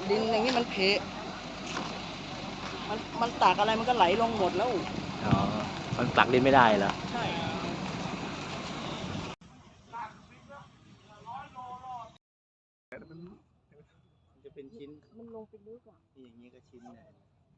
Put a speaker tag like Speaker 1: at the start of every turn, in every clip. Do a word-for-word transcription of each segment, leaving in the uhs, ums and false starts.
Speaker 1: ดินอย่างนี้มันเพะมันมันตากอะไรมันก็ไหลลงหมดแล้ว
Speaker 2: อ๋อมันตักดินไม่ได้เหรอ
Speaker 1: ใช่
Speaker 3: มันจะเป็นชิ้น
Speaker 1: มันลงไปลึกอ่ะ
Speaker 3: อย่างนี้ก็ชิ้นเลย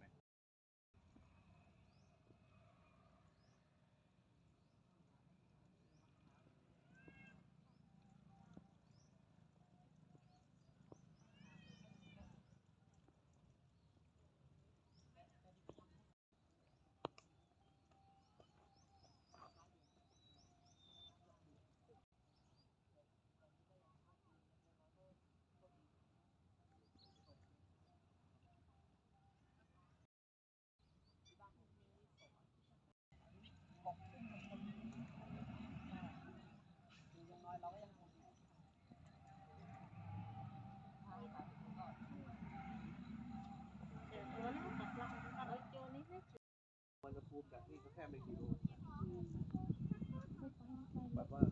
Speaker 3: มันจะพูดจากนี่ก็แค่ไม่กี่โลแบบว่า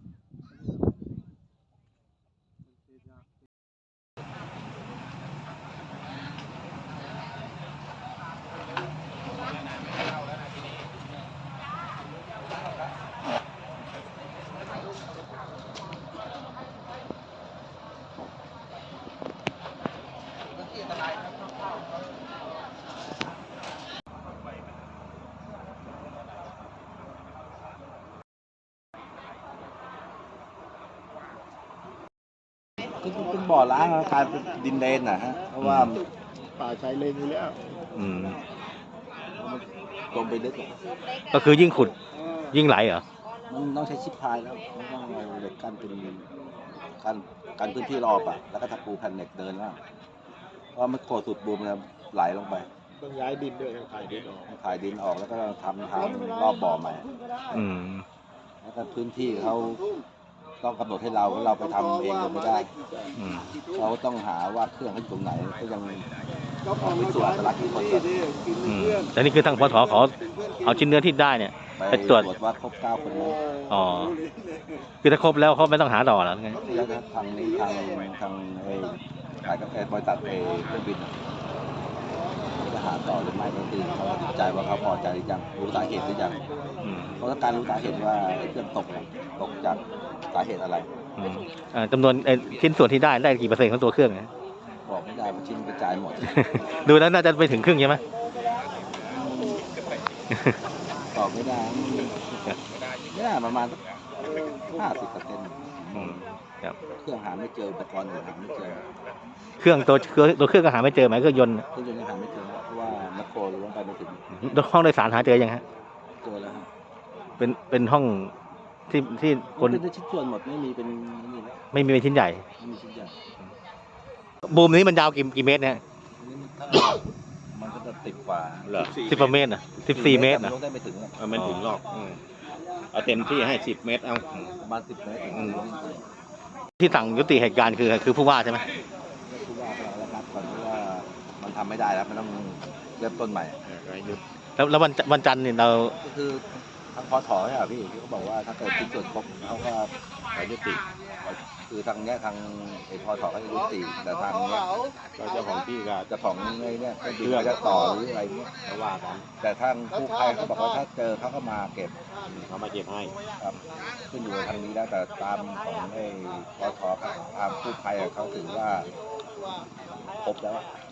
Speaker 3: คือเป็นบ่อล้างกลายเป็นดินเลนนะฮะเพราะว่าป่าชายเลนอยู่แล้ว
Speaker 2: อืม
Speaker 3: มันลงไปลึกอ่ะ
Speaker 2: ก็คือยิ่งขุดยิ่งไหลเหรอ
Speaker 3: มันต้องใช้ชิปพายแล้วมันต้องเอาเหล็กกั้นเป็นกั้นกันพื้นที่รอบอ่ะแล้วก็ทับปูแผ่นเหล็กเดินว่าเพราะมันโคสุดบูมมันไหลลงไป
Speaker 4: ต้องย้ายดินด้วยขายดินออก
Speaker 3: ขายดินออกแล้วก็ทำทางรอบบ่อใหม่
Speaker 2: อืม
Speaker 3: แล้วก็พื้นที่เขาต้องกำหนดให้เราเราไปทำเองก็ไม่ได้เขาต้องหาว่าเครื่องเขาอยู่ตรงไหนก็ยังไม่ส่วนอัตลักษณ์ของคน
Speaker 2: แต่นี่คือทางพทขอเอาชิ้นเนื้อที่ได้เนี่ยไปตรวจ
Speaker 3: ว่าครบเก้าคนไหม
Speaker 2: อ๋อคือถ้าครบแล้วเขาไม่ต้องหาต่อแล้วไง
Speaker 3: แล้วทางนี้ทางทางไอ้ขายกาแฟบริษัทไอ้เครื่องบินจะหาต่อหรือไม่ก็คือเขาติดใจว่าเขาพอใจหรือยังรู้สาเหตุหรือยังเพราะการรู้สาเหตุว่าเครื่องตกตกจากสาเหตุอะไร
Speaker 2: จำนวนชิ้นส่วนที่ได้ได้กี่เปอร์เซ็นต์ของตัวเครื่องนะ
Speaker 3: บอกไม่ได้ว่าชิ้นกระจายหมด
Speaker 2: ดูแล้วน่าจะไปถึงครึ่งใช่ไหม
Speaker 3: ตอบไม่ได้ไม่ได้ประมาณห้าสิบเปอร์เซ็นต์เครื่องหาไม่เจออุปกรณ์หาไม่เจอ
Speaker 2: เครื่องตัวตัวเครื่องก็หาไม่เจอไหมเครื่องยนต์
Speaker 3: เครื่องยนต์หาไม่เจอเพราะว่าแมคโครลงไปไม่ถึง
Speaker 2: ห้องโดยสารหาเจอยังฮะ
Speaker 3: เจอแล้ว
Speaker 2: เป็นเป็นห้องที่ที่
Speaker 3: คนเป็นชิ้นส่วนหมดไม่มีเป็น
Speaker 2: ไม่มีเป็นชิ้นใหญ่
Speaker 3: ไม่มีชิ้นใหญ่
Speaker 2: บูมนี้มันยาวกี่กี่เมตรเนี่ย
Speaker 3: มันก็จะติดกว่า
Speaker 2: เหรอสิบเมตรนะสิบสี่เมตรนะ
Speaker 3: ได้ไม่ถึง
Speaker 2: ไม่ถึงหรอกเอาเต็มที่ให้สิบเมตรเอา
Speaker 3: ประมาณสิบเมตร
Speaker 2: ที่สั่งยุติเหตุการณ์คือคือผู้ว่าใช่ไหม
Speaker 3: ผู้ว่าเรารับก่อนว่ามันทำไม่ได้แล้วมันต้องเริ่มต้นใหม่
Speaker 2: แล้วแล้ววันวันจันทร์เนี่ยเรา
Speaker 3: ก็คือทางพอถอใช่ไหมพี่เขาบอกว่าถ้าเกิดชิ้นส่วนครบเขาก็ไปยุติคือทางเนี้ยทางไอ้พอถอเขาจะยุติแต่ทางเนี้ย
Speaker 4: เจ้าของที่ก็
Speaker 3: เจ้าของไอ้เนี้ยก็คือจะต่อหรืออะไรเนี้ย
Speaker 4: เขาว่ากัน
Speaker 3: แต่ทางผู้ภัยเขาบอกว่าถ้าเจอเขาก็มาเก็บ
Speaker 4: เขามาเก็บให้
Speaker 3: ครับขึ้นอยู่ทางนี้แล้วแต่ตามของไอ้พอถอตามผู้ภัยเขาถือว่าครบแล้ว